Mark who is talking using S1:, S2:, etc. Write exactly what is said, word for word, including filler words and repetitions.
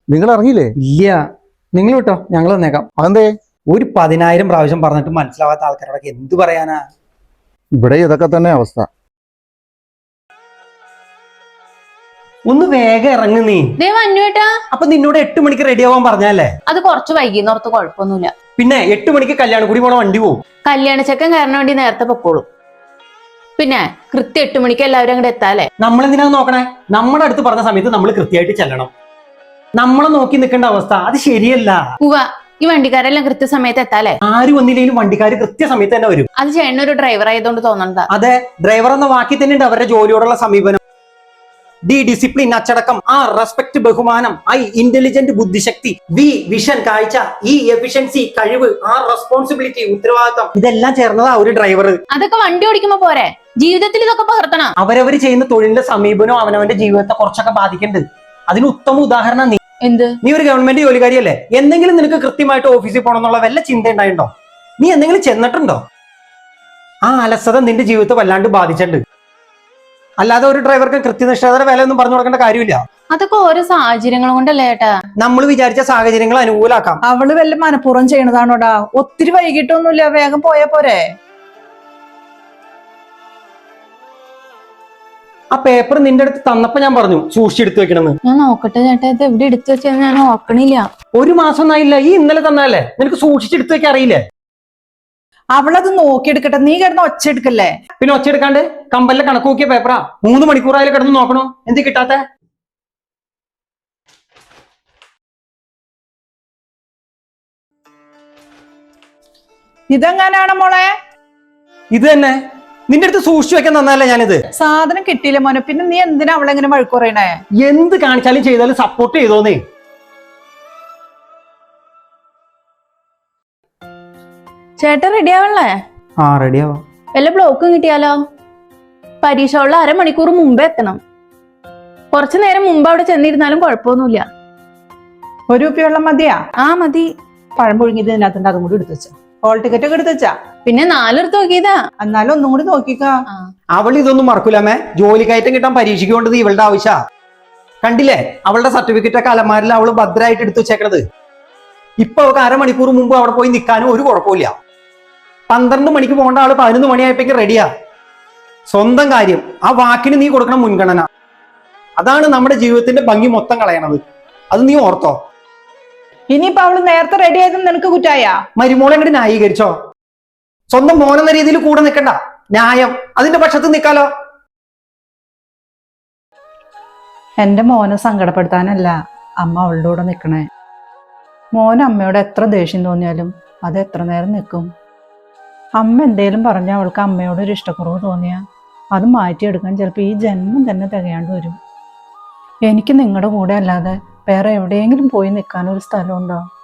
S1: നിങ്ങൾ ഇറങ്ങിയില്ലേ?
S2: ഇല്ല, നിങ്ങൾ വിട്ടോ, ഞങ്ങൾ വന്നേക്കാം.
S1: അതെന്തേ?
S2: ഒരു പതിനായിരം പ്രാവശ്യം പറഞ്ഞിട്ട് മനസ്സിലാവാത്ത ആൾക്കാരോടൊക്കെ എന്ത് പറയാനാ?
S1: ഇവിടെ ഇതൊക്കെ തന്നെ അവസ്ഥ.
S2: ഒന്ന് വേഗം ഇറങ്ങു നീ. അപ്പൊ നിന്നോട് എട്ട് മണിക്ക് റെഡി ആവാൻ പറഞ്ഞല്ലേ?
S3: അത് കുറച്ച് വൈകിന്നോർത്ത് കുഴപ്പമൊന്നുമില്ല.
S2: പിന്നെ എട്ട് മണിക്ക് കല്യാണം കൂടി പോണ വണ്ടി പോകും.
S3: കല്യാണ ചെക്കൻ കാരണം വേണ്ടി നേരത്തെ പൊക്കോളും. പിന്നെ കൃത്യം എട്ട് മണിക്ക് എല്ലാവരും അങ്ങോട്ട് എത്താല്ലേ?
S2: നമ്മളെന്തിനാ നോക്കണേ? നമ്മുടെ അടുത്ത് പറഞ്ഞ സമയത്ത് നമ്മൾ കൃത്യമായിട്ട് ചെല്ലണം. നമ്മളെ നോക്കി നിൽക്കേണ്ട അവസ്ഥ അത് ശരിയല്ല.
S3: ഉവ്വ, ഈ വണ്ടിക്കാരെല്ലാം കൃത്യസമയത്ത് എത്താല്ലേ?
S2: ആരും വന്നില്ലെങ്കിലും വണ്ടിക്കാർ കൃത്യസമയത്ത് തന്നെ വരും.
S3: അത് ചേട്ടൻ ഒരു ഡ്രൈവർ ആയതുകൊണ്ട് തോന്നണ്ട.
S2: അതെ, ഡ്രൈവർ എന്ന വാക്കി തന്നെ ഉണ്ട് അവരുടെ ജോലിയോടുള്ള സമീപനം. ഡി ഡിസിപ്ലിൻ, അച്ചടക്കം, ആ റെസ്പെക്ട്, ബഹുമാനം, ഐ ഇന്റലിജന്റ്, ബുദ്ധിശക്തി, വി വിഷൻ, കാഴ്ച, ഈ എഫിഷ്യൻസി, കഴിവ്, ആ റെസ്പോൺസിബിലിറ്റി, ഉത്തരവാദിത്തം, ഇതെല്ലാം ചേർന്നതാ ഒരു ഡ്രൈവർ.
S3: അതൊക്കെ വണ്ടി ഓടിക്കുമ്പോ പോരെ, ജീവിതത്തിൽ ഇതൊക്കെ പകർത്തണം.
S2: അവരവര് ചെയ്യുന്ന തൊഴിലിന്റെ സമീപനവും അവനവന്റെ ജീവിതത്തെ കുറച്ചൊക്കെ ബാധിക്കുന്നുണ്ട്. അതിന് ഉത്തമ ഉദാഹരണം നീ.
S3: എന്ത്?
S2: നീ ഒരു ഗവൺമെന്റ് ജോലിക്കാരിയല്ലേ? എന്തെങ്കിലും നിനക്ക് കൃത്യമായിട്ട് ഓഫീസിൽ പോകണം എന്നുള്ള വല്ല ചിന്ത ഉണ്ടായിട്ടുണ്ടോ? നീ എന്തെങ്കിലും ചെന്നിട്ടുണ്ടോ? ആ അലസത നിന്റെ ജീവിതത്തെ വല്ലാണ്ട് ബാധിച്ചിട്ടുണ്ട്. അല്ലാതെ ഒരു ഡ്രൈവർക്ക് കൃത്യനിഷ്ഠതയുടെ വില ഒന്നും പറഞ്ഞു കൊടുക്കേണ്ട കാര്യമില്ല.
S3: അതൊക്കെ ഓരോ സാഹചര്യങ്ങൾ കൊണ്ടല്ലേ ഏട്ടാ?
S2: നമ്മൾ വിചാരിച്ച സാഹചര്യങ്ങൾ അനുകൂലാക്കാം.
S4: അവള് വല്ല മനഃപൂർവ്വം ചെയ്യണതാണോടാ? ഒത്തിരി വൈകിട്ടൊന്നുമില്ല, വേഗം പോയാ പോരെ.
S2: ആ പേപ്പർ നിന്റെ അടുത്ത് തന്നപ്പോ ഞാൻ പറഞ്ഞു സൂക്ഷിച്ചെടുത്ത് വെക്കണമെന്ന്.
S3: ഞാൻ നോക്കട്ടെ ചേട്ടാ, ഇത് എവിടെ എടുത്തു വെച്ചാൽ ഞാൻ ഓർക്കണില്ല.
S2: ഒരു മാസം ഒന്നായില്ല, ഈ ഇന്നലെ തന്നല്ലേ? നിനക്ക് സൂക്ഷിച്ചെടുത്ത് വെക്കാൻ അറിയില്ലേ?
S4: അവളത് നോക്കിയെടുക്കട്ടെ, നീ കിടന്ന് ഒച്ച എടുക്കല്ലേ.
S2: പിന്നെ ഒച്ച എടുക്കാണ്ട് കമ്പലിലെ കണക്ക് നോക്കിയ പേപ്പറാ. മൂന്ന് മണിക്കൂറായാലും കിടന്ന് നോക്കണോ? എന്ത് കിട്ടാത്ത?
S4: ഇതെങ്ങാനാണ് മോളെ?
S2: ഇത് തന്നെ നിന്റെ അടുത്ത് സൂക്ഷിച്ചു വെക്കാൻ തന്നല്ലേ ഞാനിത്.
S4: സാധനം കിട്ടിയില്ല മോനെ, പിന്നെ നീ എന്തിനാ അവളെങ്ങനെ വഴക്ക് പറയണേ?
S2: എന്ത് കാണിച്ചാലും ചെയ്താലും സപ്പോർട്ട് ചെയ്തോന്നേ.
S3: ചേട്ടൻ റെഡി ആവണല്ലേ?
S2: ആ റെഡിയാവാ.
S3: വല്ല ബ്ലോക്കും കിട്ടിയാലോ? പരീക്ഷയുള്ള അരമണിക്കൂർ മുമ്പേ എത്തണം. കുറച്ചു നേരം മുമ്പ് അവിടെ ചെന്നിരുന്നാലും കുഴപ്പമൊന്നുമില്ല.
S4: ഒരു കുപ്പി വെള്ളം മതിയാ?
S3: ആ മതി.
S4: പഴം പുഴുങ്ങിയത് ഇതിനകത്തുണ്ട്, അതും കൂടി എടുത്തു വെച്ചാ. ഹോൾ ടിക്കറ്റ് ഒക്കെ എടുത്തു വെച്ചാ?
S3: പിന്നെ നാലെടുത്ത് നോക്കിയതാ.
S4: എന്നാലും ഒന്നും കൂടി നോക്കിക്കാ.
S2: അവൾ ഇതൊന്നും മറക്കൂലമ്മേ. ജോലി കയറ്റം കിട്ടാൻ പരീക്ഷയ്ക്ക് കൊണ്ടത് ഇവളുടെ ആവശ്യ. കണ്ടില്ലേ അവളുടെ സർട്ടിഫിക്കറ്റ് ഒക്കെ അലമാരിൽ അവള് ഭദ്രമായിട്ട് എടുത്തു വെച്ചേക്കണത്. ഇപ്പൊ അവൾക്ക് അരമണിക്കൂർ മുമ്പ് അവിടെ പോയി നിൽക്കാനും ഒരു കുഴപ്പമില്ല. പന്ത്രണ്ട് മണിക്ക് പോകേണ്ട ആള് പതിനൊന്ന് മണിയായപ്പോഴേക്ക് റെഡിയാ. സ്വന്തം കാര്യം, ആ വാക്കിന് നീ കൊടുക്കണ മുൻഗണന, അതാണ് നമ്മുടെ ജീവിതത്തിന്റെ ഭംഗി മൊത്തം കളയണത്. അത് നീ ഓർത്തോ.
S4: ഇനിയിപ്പോ അവള് നേരത്തെ റെഡി ആയതും നിനക്ക് കുറ്റായ?
S2: മരുമോളെ അങ്ങോട്ട് ന്യായീകരിച്ചോ? സ്വന്തം മോനെന്ന രീതിയിൽ കൂടെ നിൽക്കണ്ട, ന്യായം അതിന്റെ പക്ഷത്ത് നിൽക്കാലോ.
S4: എന്റെ മോനെ സങ്കടപ്പെടുത്താനല്ല അമ്മ അവളുടെ കൂടെ നിൽക്കണേ. മോൻ അമ്മയോട് എത്ര ദേഷ്യം തോന്നിയാലും അത് എത്ര നേരം നിൽക്കും. അമ്മ എന്തേലും പറഞ്ഞാൽ അവൾക്ക് അമ്മയോട് ഒരു ഇഷ്ടക്കുറവ് തോന്നിയാൽ അത് മാറ്റിയെടുക്കാൻ ചിലപ്പോൾ ഈ ജന്മം തന്നെ തികയാണ്ട് വരും. എനിക്ക് നിങ്ങളുടെ കൂടെ അല്ലാതെ വേറെ എവിടെയെങ്കിലും പോയി നിൽക്കാനൊരു സ്ഥലമുണ്ടോ?